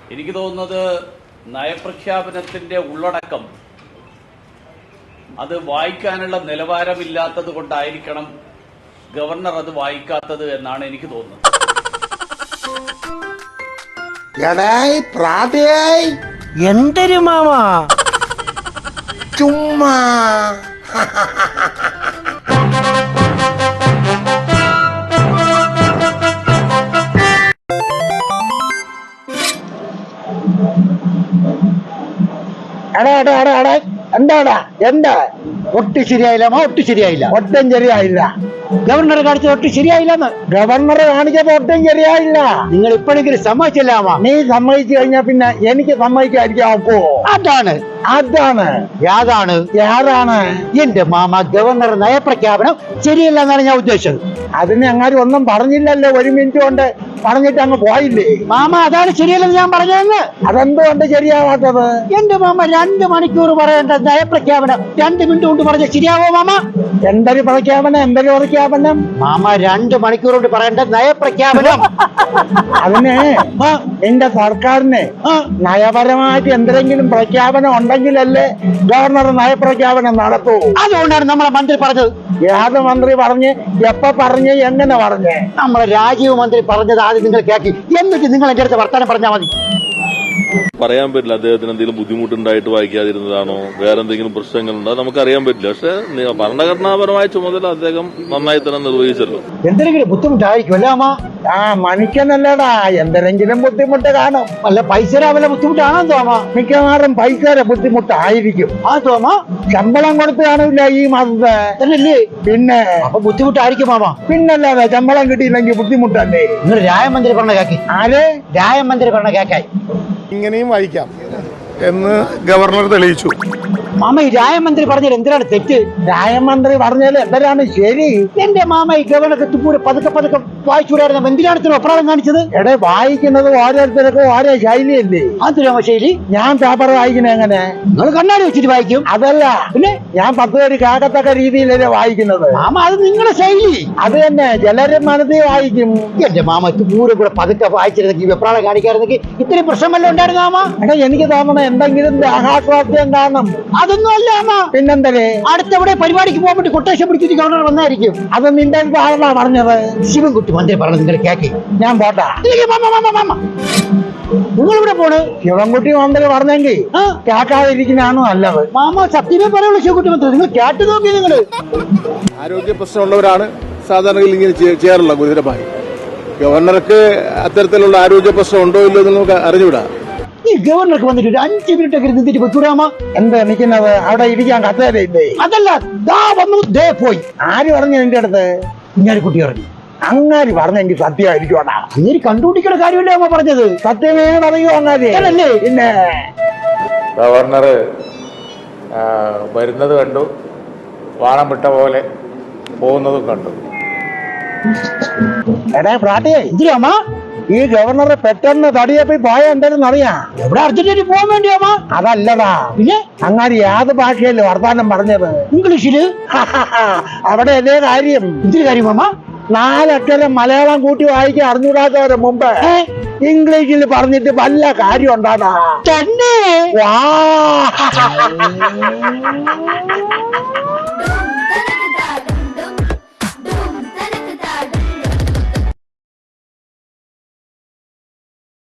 എനിക്ക് തോന്നുന്നത് നയപ്രഖ്യാപനത്തിൻ്റെ ഉള്ളടക്കം അത് വായിക്കാനുള്ള നിലവാരമില്ലാത്തത് കൊണ്ടായിരിക്കണം ഗവർണർ അത് വായിക്കാത്തത് എന്നാണ് എനിക്ക് തോന്നുന്നത്. എന്തൊരു മാമാ ചുമ്മാ എന്താടാ എന്താ ഒട്ടും ശരിയായില്ല ഒട്ടും ശരിയായില്ല. ഒട്ടും ശരിയായില്ല. ഗവർണർ കാണിച്ചത് ഒട്ടും ശരിയായില്ലെന്ന്. ഗവർണർ കാണിച്ചപ്പോ ഒട്ടും ശരിയായില്ല. നിങ്ങൾ ഇപ്പോഴെങ്കിലും സമ്മതിച്ചില്ലാമ. നീ സമ്മതിച്ചു കഴിഞ്ഞാ പിന്നെ എനിക്ക് സമ്മതിക്കാതിരിക്കാൻ ഒക്കുവോ? അതാണ് യാതാണ് എന്റെ മാമ ഗവർണർ നയപ്രഖ്യാപനം ശരിയല്ല എന്നാണ് ഞാൻ ഉദ്ദേശിച്ചത്. അതിന് അങ്ങനെ ഒന്നും പറഞ്ഞില്ലല്ലോ. ഒരു മിനിറ്റ് കൊണ്ട് പറഞ്ഞിട്ട് അങ്ങ് പോയില്ലേ? മാമ അതാണ് ശരിയല്ലെന്ന് ഞാൻ പറഞ്ഞതെന്ന്. അതെന്തുകൊണ്ട് ശരിയാവാത്തത്? എന്റെ മാമ 2 മണിക്കൂർ പറയേണ്ട നയപ്രഖ്യാപനം 2 മിനിറ്റ് കൊണ്ട് പറഞ്ഞ ശരിയാവോ മാമ? എന്തൊരു പ്രഖ്യാപനം മാമ 2 മണിക്കൂർ കൊണ്ട് പറയേണ്ട നയപ്രഖ്യാപനം. അതിന് നിന്റെ സർക്കാരിന് നയപരമായിട്ട് എന്തെങ്കിലും പ്രഖ്യാപനം ഉണ്ടെങ്കിലല്ലേ ഗവർണർ നയപ്രഖ്യാപനം നടത്തൂ. അതുകൊണ്ടാണ് നമ്മളെ മന്ത്രി പറഞ്ഞത്. ഏത് മന്ത്രി പറഞ്ഞ്, എപ്പോ പറഞ്ഞ്, എങ്ങനെ പറഞ്ഞ്? നമ്മളെ രാജീവ് മന്ത്രി പറഞ്ഞത് ആദ്യം നിങ്ങൾ കേൾക്കി, എന്നിട്ട് നിങ്ങൾ എന്റെ അടുത്ത് വർത്താനം പറഞ്ഞാൽ മതി. പറയാൻ പറ്റില്ല അദ്ദേഹത്തിന് എന്തെങ്കിലും ബുദ്ധിമുട്ടുണ്ടായിട്ട് വായിക്കാതിരുന്നതാണോ, വേറെ എന്തെങ്കിലും പ്രശ്നങ്ങളുണ്ടോ നമുക്കറിയാൻ പറ്റില്ല. പക്ഷെ ഭരണഘടനാപരമായ ചുമതല അദ്ദേഹം നന്നായി തന്നെ നിർവഹിച്ചല്ലോ. എന്തെങ്കിലും ബുദ്ധിമുട്ടായിരിക്കും അമ്മ. മണിക്കനല്ലടാ, എന്തെങ്കിലും ബുദ്ധിമുട്ട് കാണും. അല്ല പൈസയുടെ വല്ല ബുദ്ധിമുട്ടാണോ തോമ? മിക്കവാറും പൈസയുടെ ബുദ്ധിമുട്ടായിരിക്കും. തോമ ശമ്പളം കൊടുത്ത് കാണില്ല ഈ മാസത്തെ. പിന്നെ അപ്പൊ ബുദ്ധിമുട്ടായിരിക്കും മാമ. പിന്നല്ലാതെ ശമ്പളം കിട്ടിയില്ലെങ്കിൽ ബുദ്ധിമുട്ടല്ലേ? നിങ്ങൾ രായമന്ത്രി പറഞ്ഞ കേക്കി. രായമന്ത്രി പറഞ്ഞ കേക്കായി ഇങ്ങനെയും വായിക്കാം എന്ന് ഗവർണർ തെളിയിച്ചു. മാമ ഈ രായമന്ത്രി പറഞ്ഞത് എന്തിനാണ് തെറ്റ്? രായമന്ത്രി പറഞ്ഞാൽ എന്തിനാണ് ശരി? എന്റെ മാമ ഈ ഗവർണർ പൂരെ പതുക്കെ വായിച്ചുകൂടായിരുന്നു. എന്തിനാണ് ഒപ്രാളം കാണിച്ചത്? വായിക്കുന്നത് ഓരോരുത്തർക്കും ഓരോ ശൈലിയല്ലേ. അതിനാമ ശൈലി. ഞാൻ പേപ്പർ വായിക്കുന്നത് എങ്ങനെ? നിങ്ങൾ കണ്ണാടി വെച്ചിട്ട് വായിക്കും. അതല്ല, പിന്നെ ഞാൻ 10 പേര് കേൾക്കത്തക്ക രീതിയിലല്ലേ വായിക്കുന്നത്. മാമ അത് നിങ്ങളുടെ ശൈലി. അത് തന്നെ, ചിലര് മനസ്സിൽ വായിക്കും. എന്റെ മാമ പൂരെ കൂടെ പതുക്കെ വായിച്ചിരുന്നെങ്കിൽ വെപ്രാളം കാണിക്കായിരുന്നെങ്കിൽ ഇത്രയും പ്രശ്നമല്ല ഉണ്ടായിരുന്നു മാമ. എനിക്ക് തോന്നണം എന്തെങ്കിലും ആഘാതവാദ്യം കാണും. അതൊന്നും അല്ല മാമ. പിന്നെന്തരേ? അടുത്തവിടെ പരിപാടിക്ക് പോകാൻ വേണ്ടി കൊട്ടേഷൻ പിടിച്ചിട്ട് ഗവർണർ വന്നായിരിക്കും. അത് നിന്റെ ആളാ പറഞ്ഞത്. ശിവൻകുട്ടി മന്ത്രി പറഞ്ഞത് നിങ്ങൾ കേക്കി. ഞാൻ പോട്ടാ. നിങ്ങൾ ഇവിടെ പോണ്? ശിവൻകുട്ടി മന്ത്രി പറഞ്ഞെങ്കിൽ കേൾക്കാതിരിക്കുന്നതാണോ നല്ലത്? മാമ സത്യമേ പറയുള്ളൂ. ശിവൻകുട്ടി മന്ത്രി നിങ്ങൾ കേട്ടു നോക്കി. നിങ്ങള് ആരോഗ്യ പ്രശ്നമുള്ളവരാണ് സാധാരണ ഇങ്ങനെ ചെയ്യാറുള്ള ഗുരുതരമായി. ഗവർണർക്ക് അത്തരത്തിലുള്ള ആരോഗ്യ പ്രശ്നം ഉണ്ടോ ഇല്ലോ എന്ന് നമുക്ക് അറിഞ്ഞുവിടാ. ഈ ഗവർണർക്ക് വന്നിട്ട് ഒരു 5 മിനിറ്റ് ഒക്കെ ഇരുന്നിട്ട് വെക്കൂടാമ. എന്താ നിൽക്കുന്നത്? അവിടെ ഇരിക്കാൻ കസേരയില്ലേ? അതല്ല, ദാ വന്നു ദേ പോയി. ആര് പറഞ്ഞു നിന്റെ അടുത്ത്? ഞാൻ കുട്ടി പറഞ്ഞു. അങ്ങാരി പറഞ്ഞെങ്കിൽ സത്യമായിരിക്കോടാ. അങ്ങനെ കണ്ടുപിടിക്കുന്ന കാര്യമല്ലേ അമ്മ പറഞ്ഞത്? സത്യമേ പറയൂ അങ്ങാരി. പിന്നെ ഗവർണർ വരുന്നത് കണ്ടു, വാണം വിട്ട പോലെ പോകുന്നതും കണ്ടു. പ്രാട്ടിയെ എന്തിനാ ഈ ഗവർണർ പെട്ടെന്ന് തടിയപ്പി പോയ എന്തായാലും അറിയാം. എവിടെ അർജന്റീന പോകാൻ വേണ്ടിയാ? അതല്ലടാ, പിന്നെ അങ്ങാരി ഏത് ഭാഷയല്ലേ വർത്താനം പറഞ്ഞത്? ഇംഗ്ലീഷില്. അവിടെ അതേ കാര്യം. എന്തൊരു കാര്യം മാമ? 4 അക്ഷരം മലയാളം കൂട്ടി വായിക്കാൻ അറിഞ്ഞൂടാത്തവരെ മുമ്പ് ഇംഗ്ലീഷിൽ പറഞ്ഞിട്ട് വല്ല കാര്യം ഉണ്ടാടാ. തന്നെ. വാ